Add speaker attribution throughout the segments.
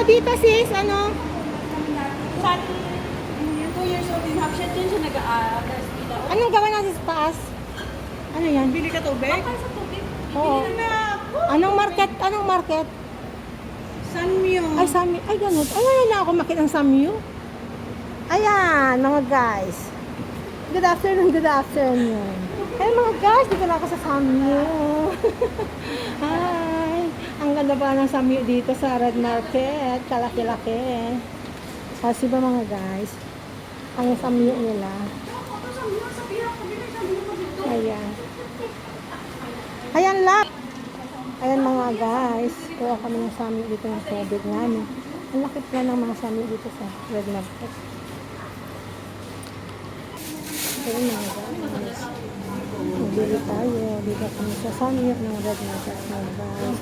Speaker 1: dito sis, ano?
Speaker 2: San, yung 2 years old in half shot din siya nag-aagas dito.
Speaker 1: Anong gawa natin sa taas? Ano yan?
Speaker 2: Bili ka tubig? Bakal sa tubig.
Speaker 1: Oo.
Speaker 2: Bili na ako.
Speaker 1: Anong market? Anong market?
Speaker 2: Sanmyo.
Speaker 1: Ay, Samyu. Ay, ganun. Ay, ngayon na ako makita ng Samyu. Ayan, mga guys. Good afternoon, good afternoon. Hey mga guys, dito na ako sa Samyu. Hi. Ang ganda ba ng Samyu dito sa Red Market. Kalaki-laki. Kasi ba mga guys, ang Samyu nila. Ayan. Ayan lang. Ayan mga guys, kuha kami ng Samyu dito ng tubig namin. Ang lakit nga ng mga Samyu dito sa Red Market. Ayan mga guys. Magbili tayo. Dito kami sa Samyu ng Red Market mga guys.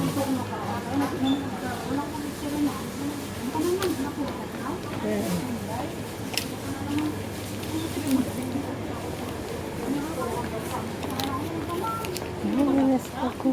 Speaker 1: Ayan. Yes, ako.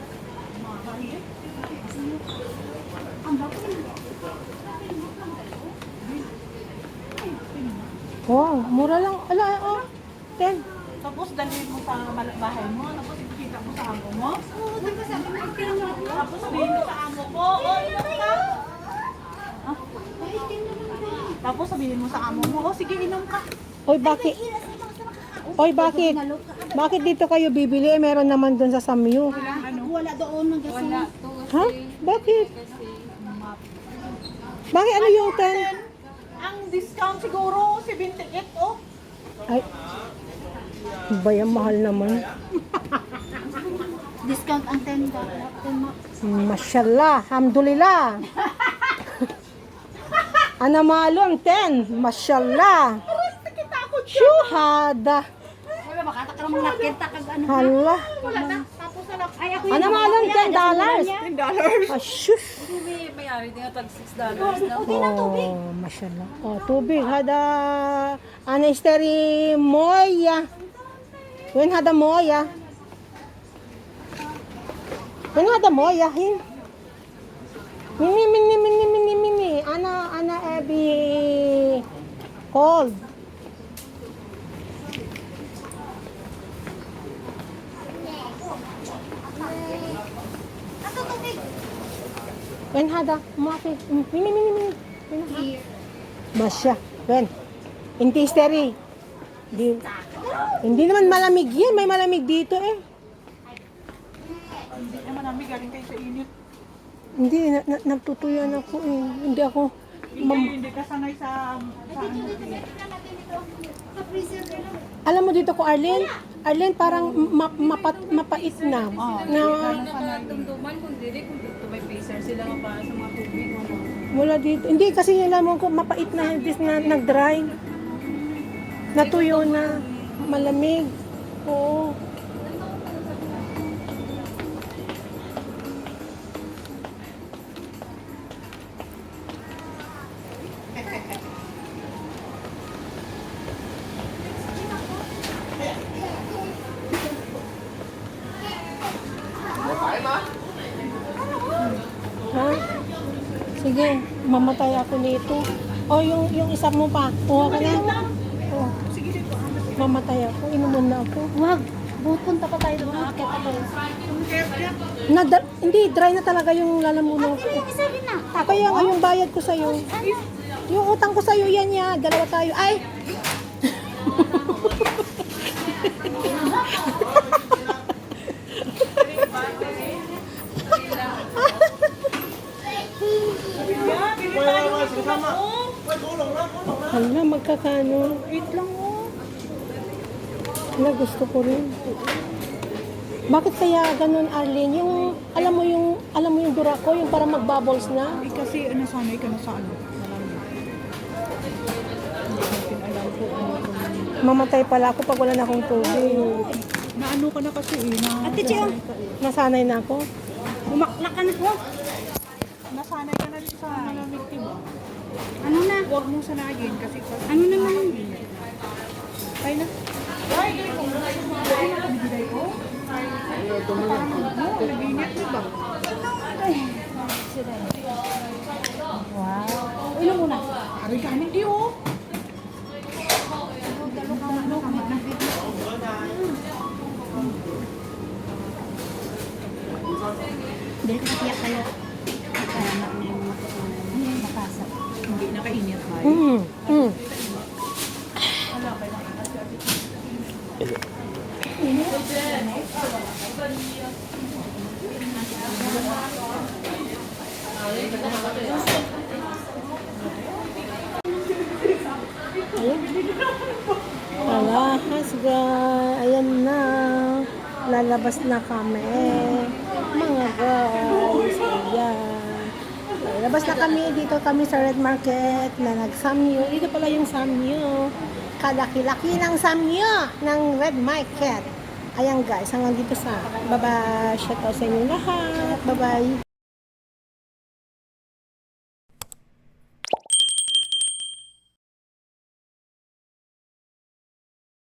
Speaker 1: Wow, mura lang. Ala, oh. 10.
Speaker 2: Tapos dalhin mo sa bahay mo. Tapos ipakita mo sa amo mo. Oo, tapos sabi mo, tapos sabihin mo sa amo ko. Oh, inom ka. Ah? Tapos sabihin mo sa amo mo. Oh, sige, inom ka.
Speaker 1: Oy, bakit? Oy, bakit? Bakit dito kayo bibili? Meron naman dun sa Samyu.
Speaker 2: Wala doon ng kasi.
Speaker 1: Ha? Bakit? Bakit ano yung 10?
Speaker 2: Ang discount siguro 78 oh.
Speaker 1: Ay. Bayang mahal naman.
Speaker 2: Discount ang 10
Speaker 1: Mashallah, alhamdulillah. Anamalo ang 10. Mashallah. Syuhada.
Speaker 2: Wala makata ka namang nakita kag ano.
Speaker 1: Hala.
Speaker 2: Wala na. Tapos na lang. Ay ako
Speaker 1: Anamalo ang $10.
Speaker 2: $10.
Speaker 1: Asyus.
Speaker 2: May mayari din tag $6 na.
Speaker 1: Oh, mashallah. Oh, tubig. Hada. Anesteri moya. Wen hada moya. Wen hada moya. Hin. Mini. Ana ebi. Cold. Wen hada. Mati. Mini. Masya. Wen. Intisteri. Hindi naman malamig yan. May malamig dito eh.
Speaker 2: Hindi naman namin galing kayo sa init.
Speaker 1: Hindi. Nagtutuyan ako eh. Hindi ako.
Speaker 2: Hindi ka sanay sa ano.
Speaker 1: Alam mo dito ko, Arlene? Arlene, parang mapait na.
Speaker 2: Tumduman kung dili kung dito may pacer sila pa sa mga tubig mo.
Speaker 1: Wala dito. Hindi, kasi alam mo ko, mapait na. Hindi na nag-dry. Natuyo na. Malamig. Oo. Ha? Sige, mamatay ako nito. O, yung isa mo pa. Kuha ka na. Oh. Mamatay ako. Inuman na ako.
Speaker 2: Wag, punta pa tayo doon. Akit ako.
Speaker 1: Hindi, dry na talaga yung lalamunan ko.
Speaker 2: Isabi na.
Speaker 1: Kaya nga yung bayad ko sa'yo. Yung utang ko sa'yo, yan ya. Dalawa tayo. Ay! Hala, magkakano?
Speaker 2: 8 lang oh.
Speaker 1: Hala, gusto ko rin. Bakit kaya ganun, Arlene? Yung, alam mo yung dura ko, yung para mag-bubbles na?
Speaker 2: Eh kasi nasanay ka na sa ano.
Speaker 1: Mamatay pala ako pag wala na akong tubig.
Speaker 2: Naano ka na kasi eh.
Speaker 1: Ate Chio, nasanay na ako.
Speaker 2: Umaklak ka na po. Nasanay ka na rin sa malamig, diba? Ano na? Huwag mong sanayin kasi ano naman? Ay na. Ay, kung nabibigay ko. Parang ano, nabinyat, diba? Ay, sila.
Speaker 1: Wow. Ilan muna?
Speaker 2: Ari kami di oh.
Speaker 3: Dahil katiyak kayo. Makasa.
Speaker 2: Hindi nakainit ba?
Speaker 1: Alahas guys. Ayan na. Lalabas na kami. Mga guys. Ayan. Lalabas na kami. Dito kami sa Red Market na nag-samyo. Dito pala yung samyo. Kalaki-laki ng samyo ng Red Market. Ayan guys. Hanggang dito sa bye-bye. Shout out sa inyo lahat. Bye-bye.